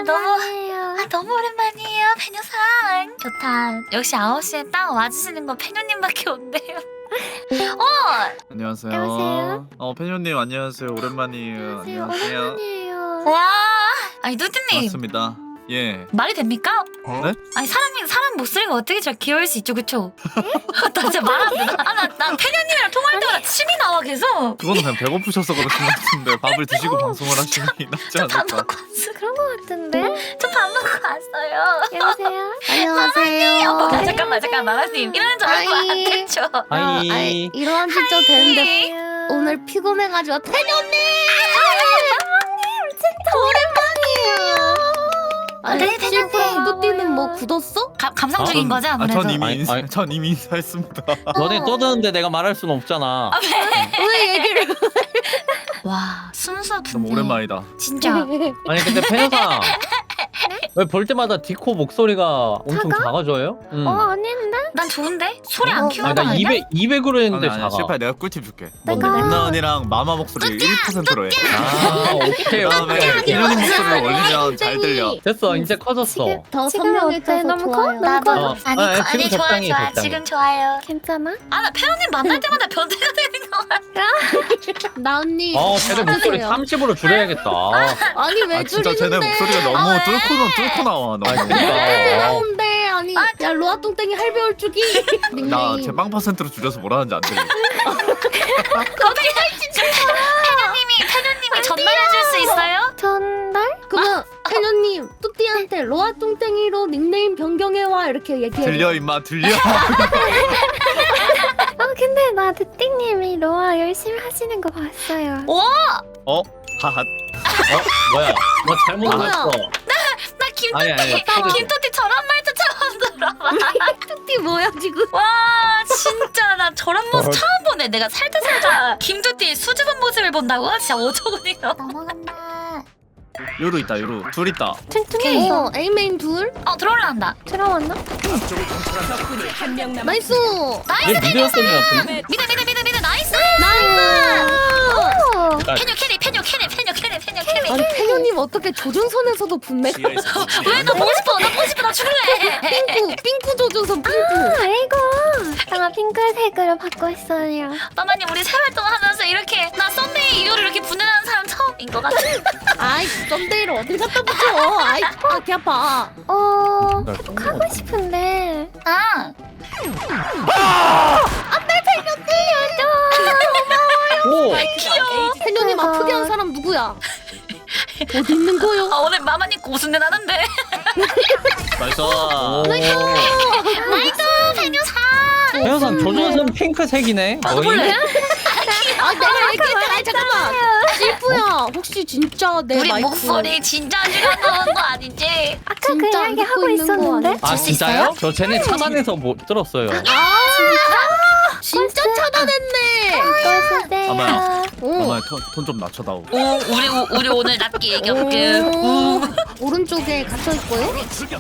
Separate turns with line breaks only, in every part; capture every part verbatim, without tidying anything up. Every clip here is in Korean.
너무
오랜만이에요.
아 너무 오랜만이에요 페뇨상. 좋다. 역시 아홉 시에 딱 와주시는 거 페뇨님밖에 없네요. 어!
안녕하세요.
안녕하세요.
어 페뇨님 안녕하세요. 오랜만이에요. 안녕하세요.
오랜만이에요.
와! 아니 뚜띠님
반갑습니다. 예.
말이 됩니까?
네?
아니 사람이 사람 목소리가 어떻게 저렇게 귀여울 수 있죠, 그쵸? 나 진짜 말 안 돼. 아나 나 페뇨님이랑 통화할 때마다 침이 나와 계속.
그거는 그냥 배고프셔서 그러신 것 같은데 밥을 드시고 방송을 하시니 낫지
저 밥
않을까?
먹고 왔어.
그런 거 같은데?
저 밥 먹고 왔어요.
안녕하세요. 안녕하세요.
어, 잠깐만 잠깐만 마마님 이러는 줄 알고 안
아이.
됐죠?
아이, 아이, 일어난 지 좀 됐는데 오늘 피곤해가지고 태녀님! 진짜 오랜만이에요. 아니,
네, 태녀님.
실프랑 뚜띠는 뭐 굳었어?
가, 감상 중인 거죠
아,
아무래도.
전 이미
아니,
인사,
아니.
전 이미 인사했습니다.
너네 떠드는데 내가 말할 순 없잖아.
왜 얘기를
와 순수
너무
분이
오랜만이다.
진짜.
아니 근데 페녀상 왜 볼 때마다 디코 목소리가 엄청
작아?
작아져요? 응.
어 아닌데?
난 좋은데 소리 안
어,
키우는
아니
거
나
아니야?
이백 이백으로 했는데
아니, 아니,
작아.
실패 내가 꿀팁 줄게.
뭔데?
내가-
임나 언니랑 마마 목소리 일 퍼센트로 해.
아 오케이
그다음에
오케이.
페뇨님 목소리를 올리면 잘 들려.
됐어 이제 커졌어.
지금 더
지금 어때?
선명해져서
너무 커?
좋아요.
나도
어.
아니,
아니,
거, 아니
지금
좋아
적당히,
좋아
적당히.
지금 좋아요.
괜찮아?
아나 페로님 만날 때마다 변태가 되는 거 같아.
나 언니
어 쟤네 목소리
해주세요.
삼십으로 줄여야겠다.
아니 왜
아 진짜 쟤네
줄이는데?
목소리가 너무 뚫고 나 뚫고 나와.
아
너무.
그러니까.
나온데 아니 야 로아 똥땡이 할배올 주기
나 제 빵 퍼센트로 줄여서 뭐라는지 안 들려.
어떻게 진짜 페로님이 페로님이 전달해줄 수 있어요?
전달? 그러면 태녀님 뚜띠한테 로아 똥땡이로 닉네임 변경해와 이렇게 얘기해.
들려 임마 들려.
아 근데 나 뚜띠님이 로아 열심히 하시는 거 봤어요.
오!
어? 하하.
어 뭐야? 너 잘못
뭐야?
알았어.
나
아니, 아니,
김토띠
아니.
김토띠 저런 말도 처음 들어봐.
뚜띠 뭐야 지금?
와 진짜 나 저런 모습 처음 보네. 내가 살짝살짝 김토띠 수줍은 모습을 본다고? 진짜 어처구니가. 넘어간다.
요루 있다 요루. 둘 있다.
오케이.
어 A메인 둘
어 들어올란다.
들어왔나? 나이스.
얘 미드였던 애 같은데?
미드 미드 미드 미드 나이스.
나이스.
페뇨 캐리 페뇨 캐리 페뇨 캐리 페뇨 캐리.
아니 태녀님 어떻게 조준선에서도 분내가
왜 나 보고 싶어 나 보고 싶어 나 죽을래.
핑크 핑크 조준선 핑크.
아이고, 제가 핑크색으로 바꿨어요.
마마님 우리 생활동하면서 이렇게 나 썬데이 이후로 이렇게 분해하는 사람 처음인 것 같아.
아이 썸데이를 어딜 갖다 붙여. 아이 아, 개 아파.
어,
날
하고 싶은데.
아
오!
귀여워.
태녀님
대박.
아프게 한 사람 누구야? 어디 있는 거요?
아 오늘 마마님 고순내 나는데.
나이스.
오.
나이스 페뇨사.
페녀상 조준선 핑크색이네.
아,
거의?
볼래?
아 내가 얘기했잖아. 아니, 잠깐만. 실프야 혹시 진짜 내
우리
마이크
목소리 진짜 지가 나온 거 아니지?
아까 그
진짜
이야기
듣고
하고
있는 거
있었는데.
아니야?
아
수
진짜요? 저 쟤네 차단해서 못 들었어요.
아 진짜 차단했네.
꺼주세요.
아마야.
오.
아마 톤 좀 낮춰다오.
오 우리 우- 우리 오늘 낮게 얘기할게.
오. 오른쪽에 갇혀 있고요.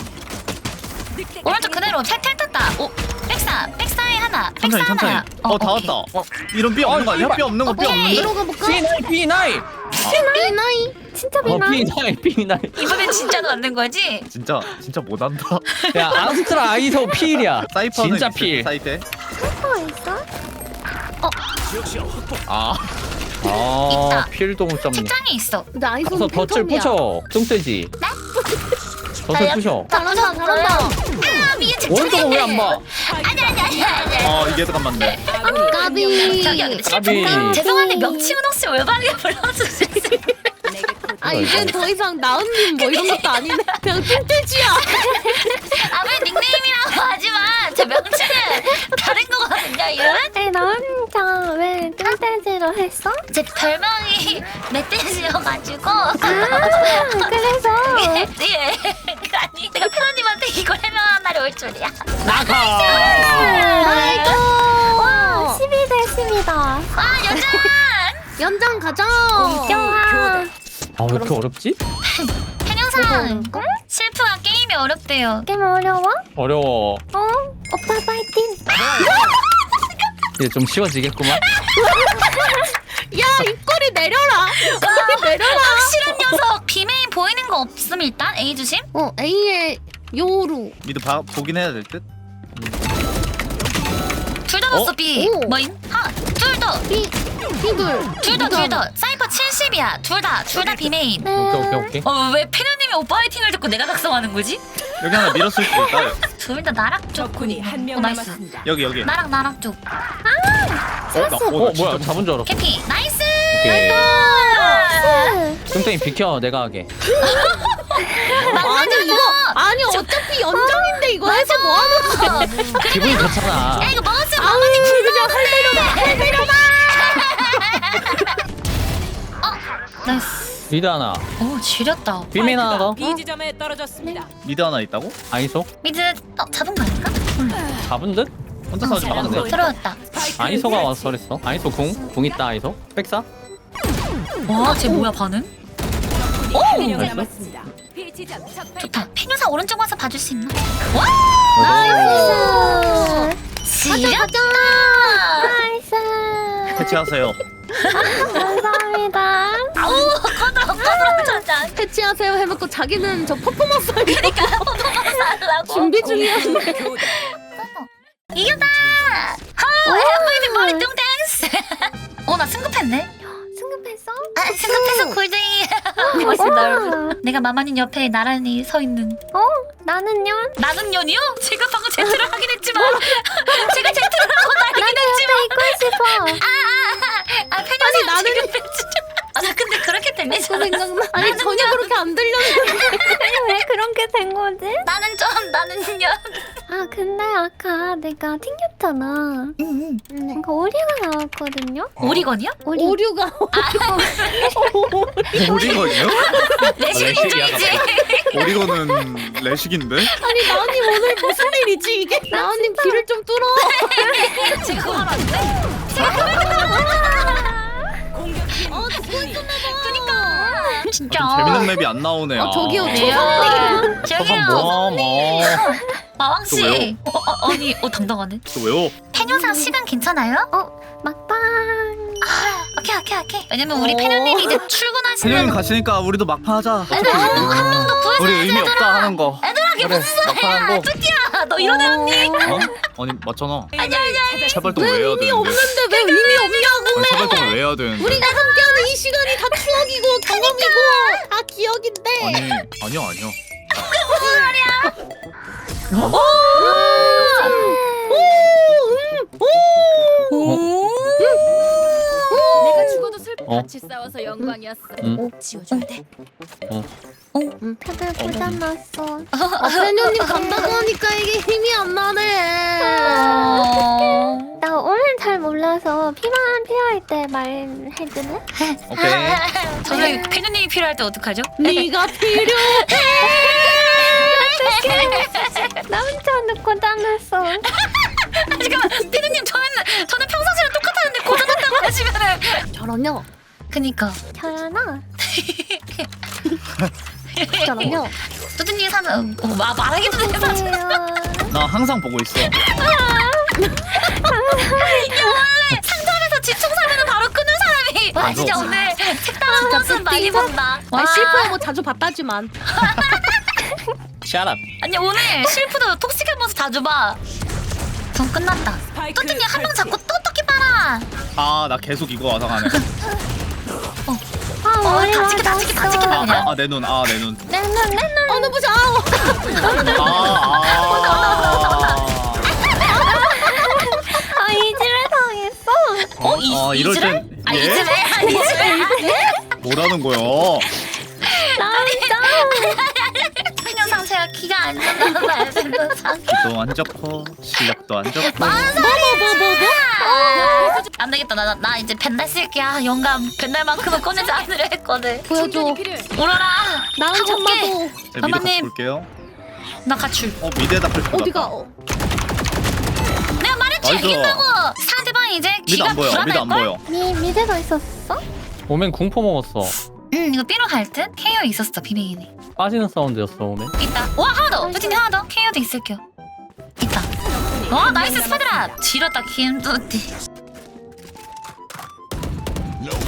오른쪽 그대로 탈탈 탔다. 오 백사 백사에 하나.
천천히
백사
천천히.
하나.
어 다
오케이.
왔다. 어 이런 삐 없는 거 아니야? 삐 없는 거 삐
오케이.
없는데?
들어가 볼까?
비 나이 비 나이.
비 나이.
진짜
어
미나.
비 나이 비 나이.
이번엔 진짜로 만든 거지?
진짜 진짜 못한다.
야 아스트라 아이소 필이야.
사이퍼는
진짜
있을
필.
사이트에.
어 있어?
아
아
있다.
필도 못 잡네.
책장에 있어.
근데 아이소는
가서 덫을
팬텀이야.
부셔. 뚱돼지. 덫을 부셔.
잘한다 잘한다.
아 위에 책장에
오른쪽은 왜 안 봐?
아니 아니 아니 아니.
어 이게 더 맞네.
까비.
저기요 근데
까비.
실패. 죄송한데 명칭은 혹시 올바르게 불러주세요.
아 이젠 더 이상 나은님 뭐 이런 것도 아니네. 그냥 뚱돼지야.
아무리 닉네임이라고 하지만 제 명칭은 다른 거거든요 이름?
아니 나 혼자 왜 뚱땡지로 했어?
제 별명이 멧돼지여가지고
아 그래서.
예, 예. 아니 내가 페로님한테 이걸 해명한 날이 올 줄이야.
나가.
아이고. 와
어.
십이 대 십이다.
아 여전
연장 가자.
영화.
아 왜 이렇게 어렵지?
해녀상 실프가 게임이 어렵대요.
게임 어려워?
어려워.
어? 오빠 파이팅.
이제 좀 쉬워지겠구만.
입꼬리 내려라. 입꼬리 내려라.
확실한 녀석. 비메인 보이는 거 없음 일단. A 주심.
어 A의 요루.
미드 봐, 보긴 해야 될 듯?
둘 다 넣었어
어?
B.
오.
뭐임? 하. 둘 더.
B B둘.
둘 더 둘 더. 사이퍼 칠십이야. 둘 다. 둘 다 비메인.
오케이 오케이 오케이.
어왜 페녀님이 오빠 화이팅을 듣고 내가 각성하는 거지?
여기 하나 밀었을 수도 있다.
둘 다 나락 쪽.
적군이 한 명
어, 나이스.
남았습니다.
여기 여기.
나락 나락 쪽.
어, 나, 어,
어
나 진짜
뭐야 잡은 줄 알았어.
캐피. 나이스.
오케이.
아,
뚱땡이 비켜 내가 하게.
아니 이거 아니 어차피 연장인데 이거 해서 뭐 하는 거야?
기분이 좋잖아.
야 이거 먹었으면
아우
마마님
그냥 할 내려놔 할 내려놔.
나이스.
미드 하나.
오 지렸다.
비메인 하나 더.
B 지점에 떨어졌습니다.
미드 하나 있다고?
아이소.
미드 어 잡은 거 아닌가?
잡은 듯?
혼자 싸우지 마.
아, 네.
들어왔다.
아이소가 와서 그랬어. 아이소 궁. 궁 있다 아이소. 백사.
와쟤 뭐야 반응?
한 명
나이스.
남았습니다. B 지점 적발.
좋다. 페녀사 오른쪽 와서 봐줄 수 있나? 와
나이스.
지렸다.
나이스.
해체하세요.
감사합니다.
아우 꺼들어 꺼들어 짜잔.
해치하세요 해놓고 자기는 저 퍼포먼스 하려고
하려고.
준비 중이었네.
교대.
이겼다. 하 엠브이피 머리 뚱땡스. 어나 승급했네.
승급했어?
아 승급해서 골드이. 고맙습니다 여러분. 내가 마마님 옆에 나란히 서 있는.
어? 나는요?
나는 년이요? 제가 방금 제트를 하긴 했지만 제가 제트를 하고 나긴 했지만
있고 싶어.
아 페녀사
나는-
지금 아나 근데 그렇게 들리잖아.
생각나. 아니 전혀 그렇게 안 들렸는데.
아니 왜 그런 게 된 거지?
나는 좀 나는 년.
아 근데 아까 내가 튕겼잖아.
응.
그러니까 오리가 나왔거든요.
오리건이요?
오리.
오류가
오리건이요?
내신
레식이야,
인종이지.
오리건은 레식인데?
아니 나은님 오늘 무슨 일이지 이게? 나은님 귀를 좀 뚫어.
지금 그거 알았는데?
공격팀
어 듣고 있었나 봐.
그니까 진짜.
좀 재밌는 맵이 안 나오네.
어 저기요
아.
초선님.
저기요.
뭐 뭐.
마왕
또 왜요?
씨. 어, 어, 아니, 어 당당하네.
또 왜요?
페녀사 시간 괜찮아요?
어 막방.
아, 오케이 오케이 오케이. 왜냐면 우리
어.
페녀님이 이제
세령이
출근하시는.
가시니까 우리도 막판 하자.
애들아, 한 명 더 구해줘.
우리 의미 없다 하는 거.
애들아, 그게
그래.
무슨
막판한
소리야?
거.
뚜띠야, 너 이런 애 언니?
어? 아니 맞잖아.
아니 아니 아니.
세발동 왜
왜
해야
의미
되는데?
없는데 왜 의미 없냐고.
아니, 세발동을 왜 해야 되는데?
우리가 함께하는 이 시간이 다 추억이고 경험이고 다 기억인데.
아니 아니요 아니요.
내가 죽어도 슬퍼.
어.
같이 싸워서 영광이었어.
응.
지워줘야 돼.
다들 고장났어.
아 페녀님 간다고 하니까 이게 힘이 안 나네.
어.
나 오늘 잘 몰라서 피만 필요할 때 말해주네.
오케이.
저는 페녀님이 필요할 때 어떡하죠?
네가 필요해.
나 혼자 고장났어.
잠깐만, 페녀님 저는 저는 평상시랑 똑같았는데 고장났다고 하시면은.
저런요.
그니까.
잘하나?
저런요.
뚜띠님 사는 어, 마, 말하기도 전에 사는.
안녕하세요.
나 항상 보고 있어.
상점에서 지총 사면은 바로 끊는 사람이. 와 진짜
맞아.
오늘 색다른
진짜
모습 많이
뚜띠가?
본다.
아 실패하고 뭐 자주 봤다지만.
Shut up.
아니 오늘 실프도 톡식한 모습 자주 봐. 전 끝났다.
스파이크
뚜띠님 한 명
설치.
잡고 또 토끼 빨아.
아 나 계속 이거 와서가네.
아
어,
머리가
다 찍게, 다 찍게, 다 찍게, 다 찍게.
아 내 눈 아 내 눈.
내눈 내눈.
어느 보자.
아 아.
아 이질을 당했어.
어, 이,
아, 이럴
이즈레?
땐-
아
예?
이즈레? 아 이즈레?
뭐라는 거야?
나 진짜.
그냥 상태가 키가 안 좋나 봐요. 상.
기도 안 좋고 실력도 안 좋고.
안 되겠다. 나, 나, 나 이제 벤달 쓸게. 아, 영감. 벤달만큼은 꺼내지 않으려 했거든.
보여줘.
충전이 필요해.
오너라.
나은
가볼게.
참마도.
자, 미드 같이
마마님.
볼게요.
나 가출.
어 미드에다 풀 것
어디가?
같다.
어.
내가 말했지.
나이스.
이긴다고. 상대방 이제
미드
귀가
안 보여. 미드 안
불안할걸?
보여.
미 미드가 있었어?
오멘 궁포 먹었어.
응, 이거 삐로 갈 듯? 케이오 있었어, 비메인이.
빠지는 사운드였어 오멘.
있다. 와, 하나 더. 뚜틴이 하나 더. 케이오도 있을게요. 있다. 와, 나이스 스파드라. 지렸다, 김뚜띠.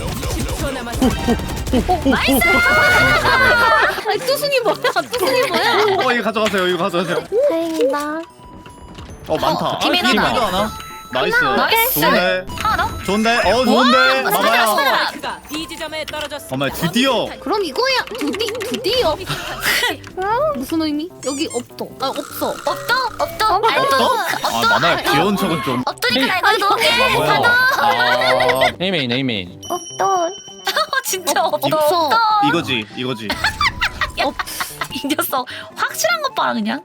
아니 뚜순이 뭐야? 뚜순이 뭐야?
어 이거 가져가세요. 이거 가져가세요.
다행이다.
어 많다.
어, 팀이
아, 팀이
하나.
하나. 나이스.
나이스.
좋은데.
하나 더?
좋은데. 어 좋은데.
와,
봐봐요.
맞아.
스파이크가 B 지점에 떨어졌습니다.
어머 드디어.
그럼 이거야. 드디 드디어. 무슨 의미? 여기 없어. 아 없어.
없도? 없도?
어?
알도?
아 만화야 귀여운 척은 좀.
없도니까 나 이거 넣을게.
아, 뭐야? 아
에이메인 에이메인.
없던.
어, 진짜 없도.
없어.
없도.
이거지 이거지.
이 녀석 확실한 것 봐라 그냥.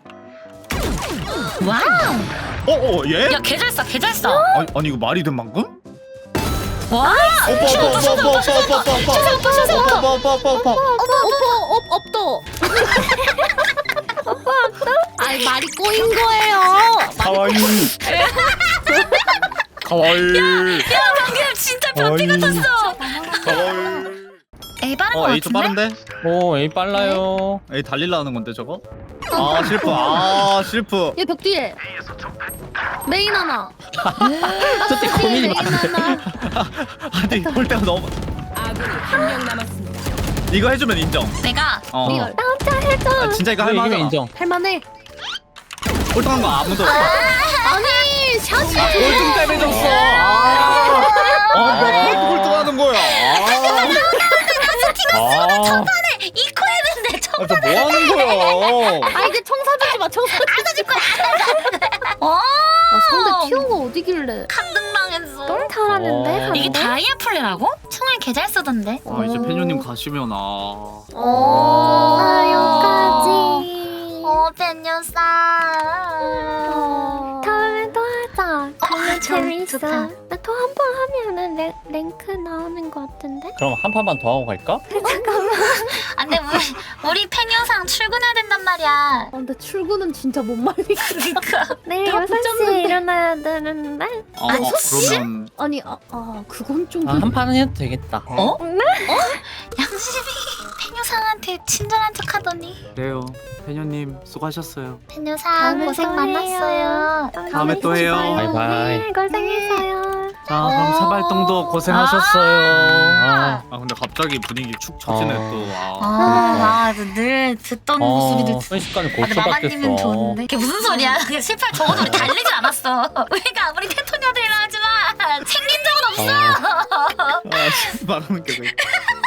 와우.
어어 얘?
야 개 잘 쏴, 개 잘 쏴.
아니, 아니 이거 말이 된 방금?
와.
오빠 오빠 오빠 오빠 오빠 오빠 오빠 오빠 오빠 오빠 오빠
없어. 없 없도. 아이 말이 꼬인 거예요.
가와이 가와이
야 방금 진짜 변태 같았어.
가와이.
에이 빠른 거
어 에이 좀
같은데?
빠른데?
오 에이 빨라요.
에이 달릴라 하는 건데 저거? 아 실프 아 실프.
얘 벽 뒤에. 메인 하나.
저때 고민이
메인
많은데.
하나.
아니 볼 때가 너무.
아군이 한 명 남았습니다.
이거 해주면 인정.
내가
어.
리얼.
나 혼자 해줘.
아, 진짜 이거
이거 이기면
할만하잖아.
인정.
할만해.
꼴등한 거 아무도.
아니 샷이.
꼴등 때문에 졌어. 아뭐 꼴등하는 거야.
아,
이코 했는데 저.
아, 저뭐 하는 거야?
아 이제 청 사주지 마. 청 사주지 마.
어.
아, 상대 티오가 어디길래?
강등당했어.
너무 잘하는데.
어.
상대?
이게 다이아 플레라고? 총알 개 잘 쓰던데.
아 이제 팬유님 가시면 아.
어.
아 여기까지.
어 팬녀사.
다음에 또 하자. 정말
참
재밌어.
좋다.
나 또 한 번 하면은 랭, 랭크 나오는 거 같은데?
그럼 한 판만 더 하고 갈까?
안돼 우리 우리 팬녀상 출근해야 된단 말이야.
아, 근데 출근은 진짜 못 말리겠다.
그러니까.
내일
다
여섯 시에
붙잡는데.
일어나야 되는데?
아,
아니,
아 그러면
아니 아, 아 그건 좀.
아, 한 판은 해도 되겠다.
어? 양심이 팬녀상한테 친절한 척하더니.
그래요. 팬유님 수고하셨어요.
팬녀상
다음에
고생
또 해요.
많았어요.
다음에 또 해요.
바이바이.
네, 고생했어요.
자 그럼
어.
사발동도 고생하셨어요.
아,
아 근데 갑자기 분위기 축 처지네
어.
또. 아.
아, 아, 늘 듣던
어,
모습이
순식간에
아, 근데 마마님은
고쳐받겠어.
좋은데. 그게 무슨 소리야? 그게 실패 적어도 우리 달리지 않았어. 우리가 아무리 테토녀들이라 하지만 생긴 적은 없어.
아 말하는 게 왜?